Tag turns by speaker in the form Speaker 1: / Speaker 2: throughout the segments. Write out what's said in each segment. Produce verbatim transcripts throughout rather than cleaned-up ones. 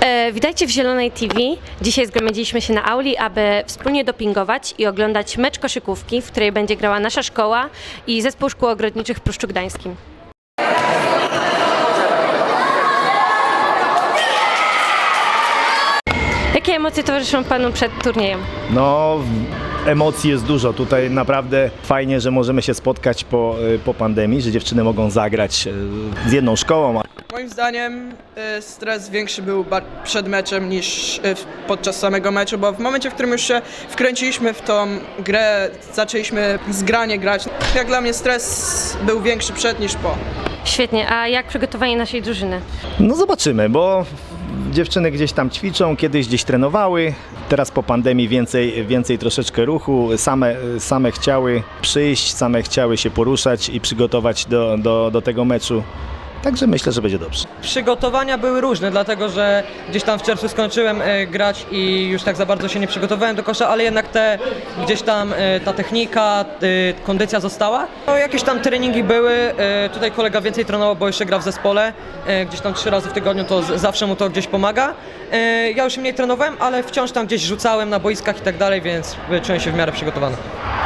Speaker 1: E, witajcie w Zielonej T V. Dzisiaj zgromadziliśmy się na auli, aby wspólnie dopingować i oglądać mecz koszykówki, w której będzie grała nasza szkoła i zespół szkół ogrodniczych w Pruszczu Gdańskim. Jakie emocje towarzyszą Panu przed turniejem?
Speaker 2: No, emocji jest dużo. Tutaj naprawdę fajnie, że możemy się spotkać po, po pandemii, że dziewczyny mogą zagrać z jedną szkołą.
Speaker 3: Moim zdaniem y, stres większy był ba- przed meczem niż y, w- podczas samego meczu, bo w momencie, w którym już się wkręciliśmy w tą grę, zaczęliśmy zgranie grać. Jak dla mnie stres był większy przed niż po.
Speaker 1: Świetnie, a jak przygotowanie naszej drużyny?
Speaker 2: No zobaczymy, bo dziewczyny gdzieś tam ćwiczą, kiedyś gdzieś trenowały, teraz po pandemii więcej, więcej troszeczkę ruchu, same, same chciały przyjść, same chciały się poruszać i przygotować do, do, do tego meczu. Także myślę, że będzie dobrze.
Speaker 4: Przygotowania były różne, dlatego że gdzieś tam w czerwcu skończyłem e, grać i już tak za bardzo się nie przygotowałem do kosza, ale jednak te gdzieś tam e, ta technika, e, kondycja została. No, jakieś tam treningi były, e, tutaj kolega więcej trenował, bo jeszcze gra w zespole, e, gdzieś tam trzy razy w tygodniu, to z, zawsze mu to gdzieś pomaga. E, ja już mniej trenowałem, ale wciąż tam gdzieś rzucałem na boiskach i tak dalej, więc e, czułem się w miarę przygotowany.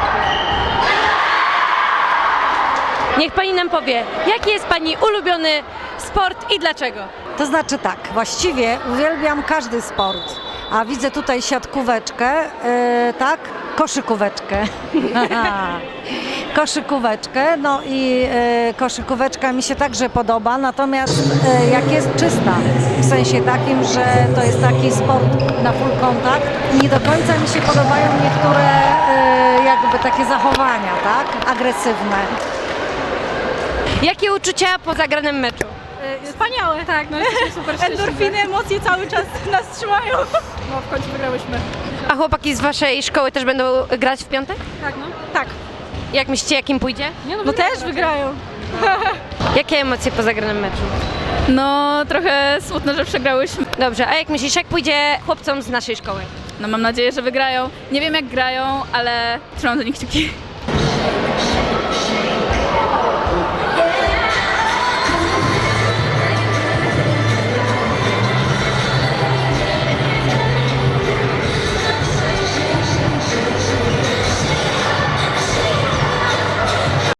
Speaker 1: Niech Pani nam powie, jaki jest Pani ulubiony sport i dlaczego?
Speaker 5: To znaczy tak, właściwie uwielbiam każdy sport, a widzę tutaj siatkóweczkę, yy, tak, koszykóweczkę, koszykóweczkę, no i yy, koszykóweczka mi się także podoba, natomiast yy, jak jest czysta, w sensie takim, że to jest taki sport na full kontakt, nie do końca mi się podobają niektóre yy, jakby takie zachowania, tak, agresywne.
Speaker 1: Jakie uczucia po zagranym meczu?
Speaker 6: Wspaniałe, tak, no jesteśmy super szczęśliwe. Endorfiny, emocje cały czas nas trzymają. No w końcu wygrałyśmy.
Speaker 1: A chłopaki z Waszej szkoły też będą grać w piątek?
Speaker 6: Tak, no. Tak.
Speaker 1: Jak myślicie, jakim pójdzie?
Speaker 6: Nie, no, no też wygrają.
Speaker 1: Jakie emocje po zagranym meczu?
Speaker 6: No trochę smutno, że przegrałyśmy.
Speaker 1: Dobrze, a jak myślisz, jak pójdzie chłopcom z naszej szkoły?
Speaker 6: No mam nadzieję, że wygrają. Nie wiem jak grają, ale trzymam za nich kciuki.